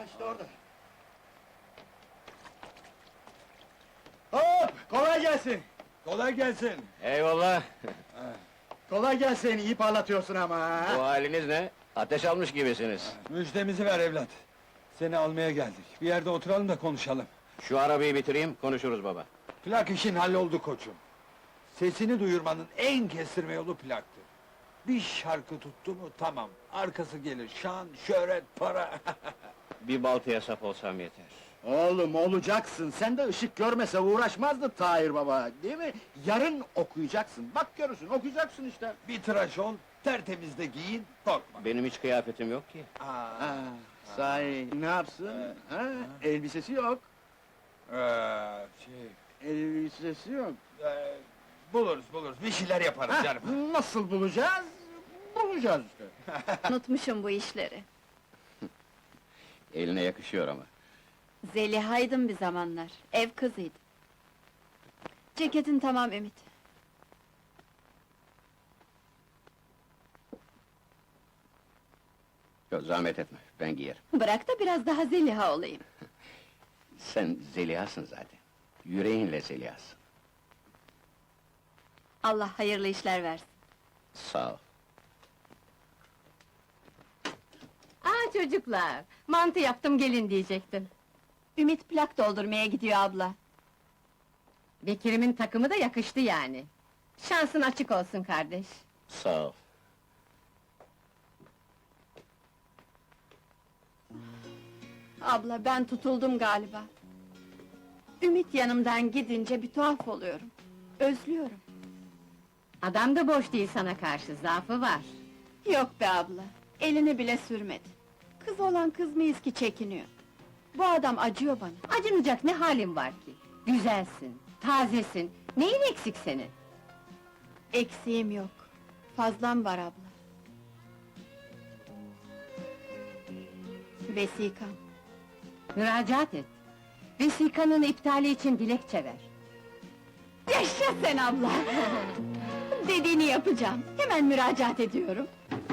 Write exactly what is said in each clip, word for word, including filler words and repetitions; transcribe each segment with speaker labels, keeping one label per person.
Speaker 1: işte orada. Hop! Kolay gelsin!
Speaker 2: Kolay gelsin.
Speaker 3: Eyvallah!
Speaker 1: Kolay gelsin, iyi parlatıyorsun ama ha!
Speaker 3: Bu haliniz ne? Ateş almış gibisiniz.
Speaker 2: Müjdemizi ver evlat. Seni almaya geldik. Bir yerde oturalım da konuşalım.
Speaker 3: Şu arabayı bitireyim, konuşuruz baba.
Speaker 2: Plak işin halloldu koçum. Sesini duyurmanın en kestirme yolu plaktır. Bir şarkı tuttu mu tamam. Arkası gelir şan, şöhret, para.
Speaker 3: Bir baltaya sap olsam yeter.
Speaker 1: Oğlum olacaksın, sen de ışık görmese uğraşmazdı Tahir baba, değil mi? Yarın okuyacaksın, bak görürsün, okuyacaksın işte!
Speaker 2: Bir tıraş ol, tertemiz de giyin, korkma.
Speaker 3: Benim hiç kıyafetim yok ki.
Speaker 2: Aa,
Speaker 1: Ha, sahi, ne yapsın? Ha, elbisesi yok,
Speaker 2: ee, şey,
Speaker 1: elbisesi yok.
Speaker 2: ee, buluruz buluruz, bir şeyler yaparız
Speaker 1: Ha,
Speaker 2: canım.
Speaker 1: nasıl bulacağız? Bulacağız işte!
Speaker 4: Unutmuşum bu işleri.
Speaker 3: Eline yakışıyor ama.
Speaker 4: Zeliha'ydım bir zamanlar, ev kızıydım. Ceketin tamam Ümit.
Speaker 3: Yok, zahmet etme, ben giyerim.
Speaker 4: Bırak da biraz daha Zeliha olayım.
Speaker 3: Sen Zeliha'sın zaten. Yüreğinle Zeliha'sın.
Speaker 4: Allah hayırlı işler versin.
Speaker 3: Sağ ol.
Speaker 5: Aa çocuklar, mantı yaptım gelin diyecektim.
Speaker 4: Ümit plak doldurmaya gidiyor abla.
Speaker 5: Bekir'imin takımı da yakıştı yani. Şansın açık olsun kardeş.
Speaker 3: Sağ ol.
Speaker 4: Abla ben tutuldum galiba. Ümit yanımdan gidince bir tuhaf oluyorum. Özlüyorum.
Speaker 5: Adam da boş değil sana karşı, zaafı var.
Speaker 4: Yok be abla, elini bile sürmedi. Kız olan kız mıyız ki çekiniyor? Bu adam acıyor bana.
Speaker 5: Acınacak ne halin var ki? Güzelsin, tazesin, neyin eksik senin?
Speaker 4: Eksiğim yok, fazlam var abla. Vesikam.
Speaker 5: Müracaat et. Vesikanın iptali için dilekçe ver.
Speaker 4: Yaşa sen abla! Dediğini yapacağım, hemen müracaat ediyorum.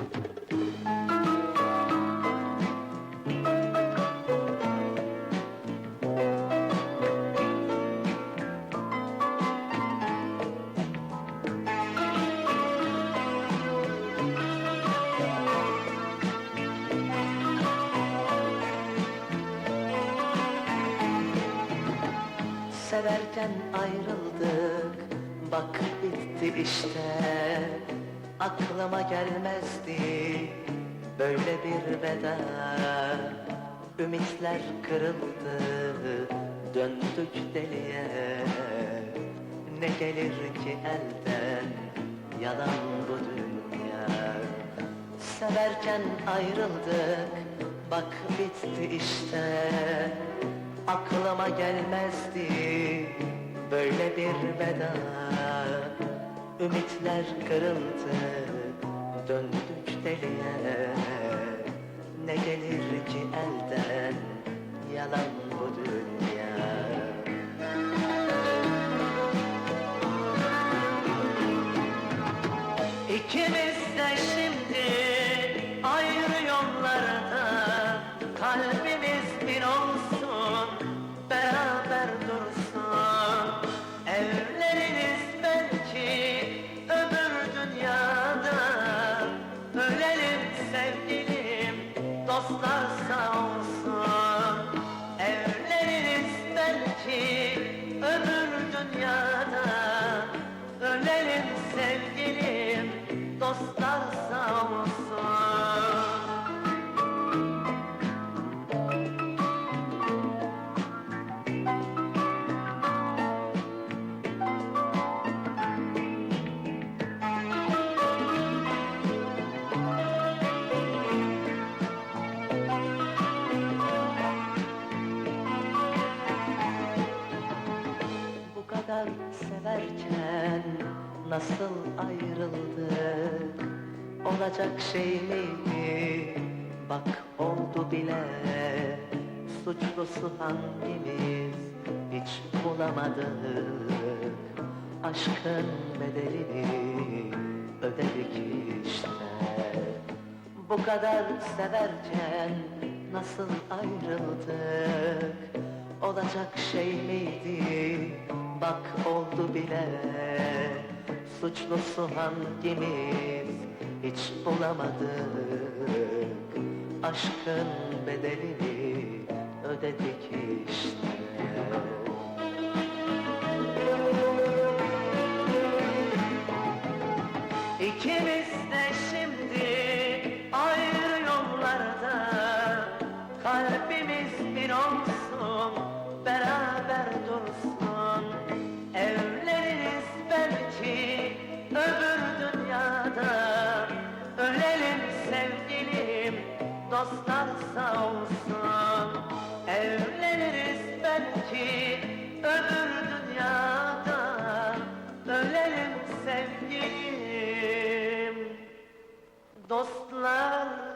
Speaker 6: Severken ayrıldık, bak bitti işte. Aklıma gelmezdi böyle bir veda. Ümitler kırıldı, döndük deliye. Ne gelir ki elden, yalan bu dünya. Severken ayrıldık, bak bitti işte. Aklıma gelmezdi böyle bir veda. Ümitler kırıldı, döndük deliye. Ne gelir ki elden, yalan bu dünya. İkimiz de şimdi ayrı yollarda. Kalbimiz bir olsun, beraber dursun. Evleniriz belki öbür dünyada. Ölelim sevgilim, dostlar sağ olsun. Evleniriz belki öbür dünyada. Ölelim sevgilim, dostlar sağ olsun. Bu kadar severken nasıl ayrıldık? Olacak şey miydi? Bak oldu bile. Suçlusu hangimiz hiç bulamadık. Aşkın bedelini ödedik işte. Bu kadar severken nasıl ayrıldık? Olacak şey miydi? Bak oldu bile. Suçlusu hangimiz? Hiç bulamadık. Aşkın bedelini ödedik işte. İkimiz de şimdi ayrı yollarda. Kalbimiz bir olsun, beraber dursun. Evleniriz belki öbür dünyada. Ölelim sevgilim, dostlar sağ olsun. Evleniriz belki öbür dünyada. Ölelim sevgilim, dostlar